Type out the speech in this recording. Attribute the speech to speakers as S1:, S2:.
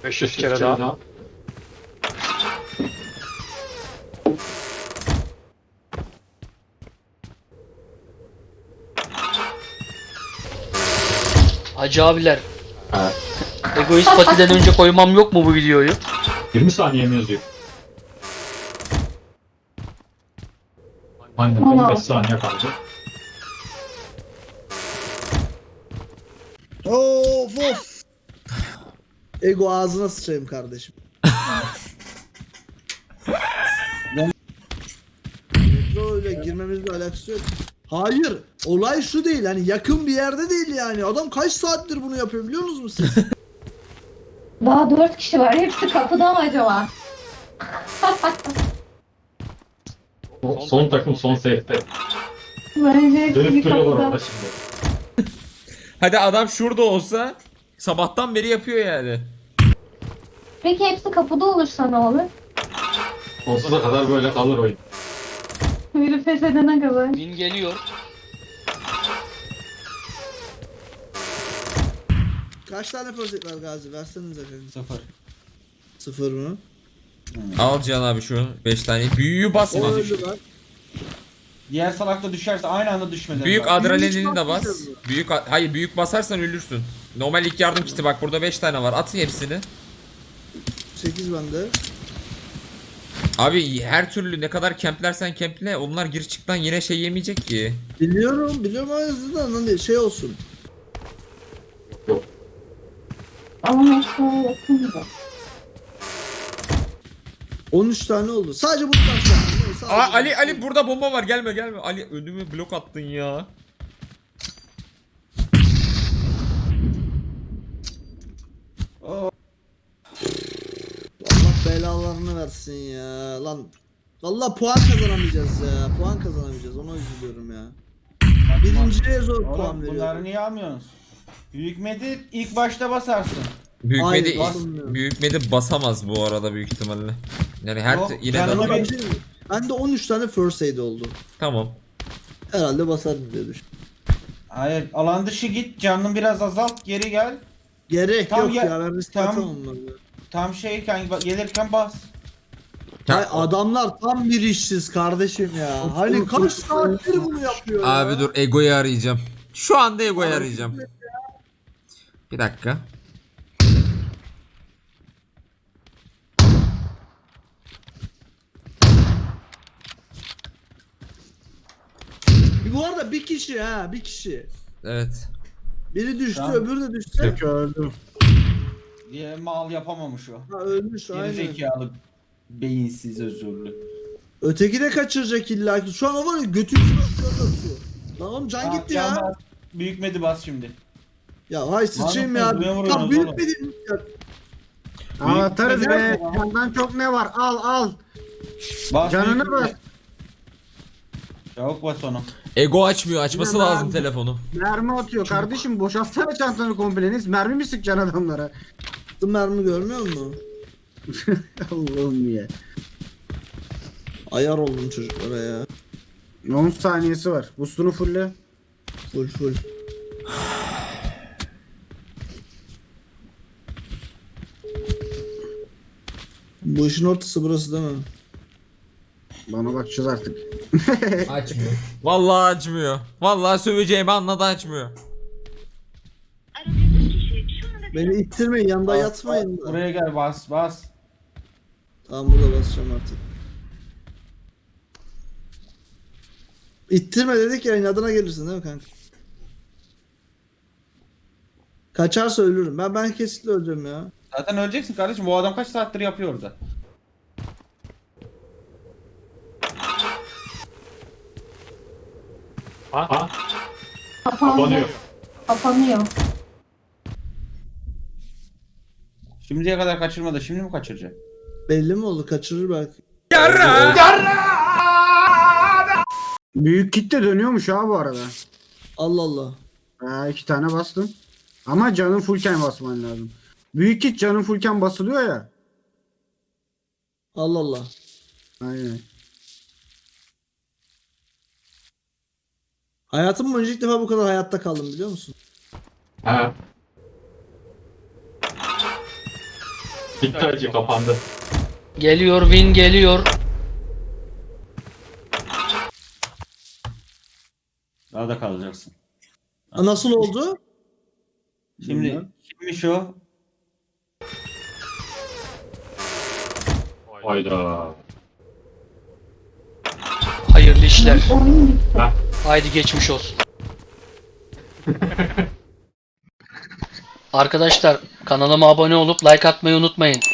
S1: 500 kere daha.
S2: Hacı abiler,
S1: Ha.
S2: Egoist Pati'den önce koymam yok mu bu videoyu?
S1: 20 saniye mi yazıyor? Aynen 15 saniye kaldı.
S3: Of of. Ego ağzına sıçayım kardeşim. Metro ile girmemizle alakası yok. Hayır. Olay şu değil. Hani yakın bir yerde değil yani. Adam kaç saattir bunu yapıyor biliyor musunuz siz?
S4: Daha 4 kişi var. Hepsi kapıda mı acaba?
S1: Son takım son safe'te.
S4: Bence hepsi
S1: Dönüp duruyorlar
S4: kapıda.
S1: orada şimdi.
S5: Hadi adam şurada olsa sabahtan beri yapıyor yani.
S4: Peki hepsi kapıda olursa ne olur?
S1: Sonsuza kadar böyle kalır oyun.
S4: Biri pes edene kadar.
S2: Win geliyor.
S3: Kaç tane fırsat var Gazi? Versenize efendim.
S6: 0.
S3: 0 mı?
S5: Al Can abi şu 5 tane. Büyüğü basma.
S3: O öldü lan.
S6: Diğer salak da düşerse aynı anda düşmeden.
S5: Büyük
S6: bak.
S5: adrenalini de bas.
S3: basmayacağız mı?
S5: Hayır büyük basarsan ölürsün. Normal ilk yardım kiti bak burada 5 tane var. At hepsini.
S3: 8 bende.
S5: Abi her türlü ne kadar kemplersen kemple onlar gir çıktan yine şey yemeyecek ki.
S3: Biliyorum ama yüzünden hani şey olsun.
S4: Ama metroya yakın gibi.
S3: 13 tane oldu. Sadece bunu takacağım. Sadece
S5: Aa,
S3: bunu.
S5: Ali burada bomba var gelme. Ali önümü blok attın ya.
S3: Allah belalarını versin ya. Lan vallahi puan kazanamayacağız ya. Puan kazanamayacağız. Ona üzülüyorum ya. Birinciye zor puan
S6: Oğlum bunları
S3: veriyorum.
S6: niye almıyorsunuz? Büyük medi ilk başta basarsın.
S5: Büyük
S3: basılmıyor.
S5: medi basamaz bu arada büyük ihtimalle. Yani her
S6: Yok,
S5: yine
S6: canına
S5: de
S3: Ama bir şey mi? Bende 13 tane first aid oldu.
S5: tamam.
S3: Herhalde basarım diye düşün.
S6: Hayır alan dışı git canını biraz azalt geri gel.
S3: Gerek
S6: Tam
S3: yok
S6: ya-
S3: ya. Ben risk
S6: tam-
S3: atamam ben.
S6: Tam şeyken gelirken bas.
S3: Hay adamlar tam bir işsiz kardeşim ya. Hani kaç saattir bunu yapıyor ya.
S5: Abi dur Ego'yu arayacağım. Şu anda Ego'yu arayacağım. Bir dakika.
S3: Bu arada bir kişi ha bir kişi.
S5: Evet.
S3: Biri düştü
S6: Tamam.
S3: öbürü de düştü.
S7: Öldüm.
S6: Diye mal yapamamış o.
S3: Ha, ölmüş
S6: Geri
S3: aynen.
S6: zekalı beyinsiz özürlü.
S3: Öteki de kaçıracak illa ki. Şu an o var ya götü atıyor. Lan oğlum can
S6: Tamam,
S3: gitti
S6: can
S3: ya.
S6: bas. Büyük medi bas şimdi.
S3: Ya hay sıçayım
S6: Manyak
S3: ya.
S6: mı? Buraya
S3: Tam
S6: vuruyoruz
S3: büyük
S6: oğlum.
S3: bir ya.
S7: Anahtarız
S6: Büyük
S7: be.
S6: medi bas.
S7: Candan çok ne var? Al.
S6: Bas
S7: Canını
S6: büyük
S7: bas.
S6: medi. Çabuk bas onu.
S5: Ego açmıyor. Açması
S7: Yine
S5: lazım
S7: ben-
S5: telefonu.
S7: Mermi atıyor kardeşim. Boşaltsana çantanı kompleniz. Mermi mi sıkacaksın adamlara?
S3: Attım mermi görmüyor musun?
S7: Allah'ım ya.
S3: Ayar oldum çocuklara ya.
S7: 10 saniyesi var. Boostunu fulle.
S3: Full full. Bu işin ortası burası değil mi?
S7: Bana bakacağız artık.
S5: Açmıyor. Vallahi açmıyor. Vallahi söveceğimi anladı açmıyor.
S3: Beni ittirmeyin yanında yatmayın. da.
S6: Buraya gel bas.
S3: Tamam burada basacağım artık. İttirme dedik ya inadına gelirsin değil mi kanka? Kaçarsa ölürüm. Ben kesinlikle öleceğim ya.
S6: Zaten öleceksin kardeşim. Bu adam kaç saattir yapıyor orada.
S1: Ha?
S4: Kapandı.
S1: Kapanıyor.
S4: Kapanıyor.
S6: Şimdiye kadar kaçırmadı. Şimdi mi kaçıracak?
S3: Belli mi oldu? Kaçırır belki.
S7: Büyük kitle dönüyormuş ha bu arada.
S3: Allah Allah.
S7: Ha 2 tane bastım. Ama canın fullken basman lazım. Büyük kit canın fullken basılıyor ya.
S3: Allah Allah.
S7: Aynen.
S3: Hayatım boyunca ilk defa bu kadar hayatta kaldım biliyor musun?
S1: Ha. Bitti acı kapandı.
S2: Geliyor win geliyor.
S6: Daha da kalacaksın.
S3: Nasıl oldu?
S6: Şimdi kimmiş o?
S1: Hayda.
S2: Hayırlı işler.
S4: Oyun bitti.
S2: Haydi geçmiş olsun. Arkadaşlar kanalıma abone olup like atmayı unutmayın.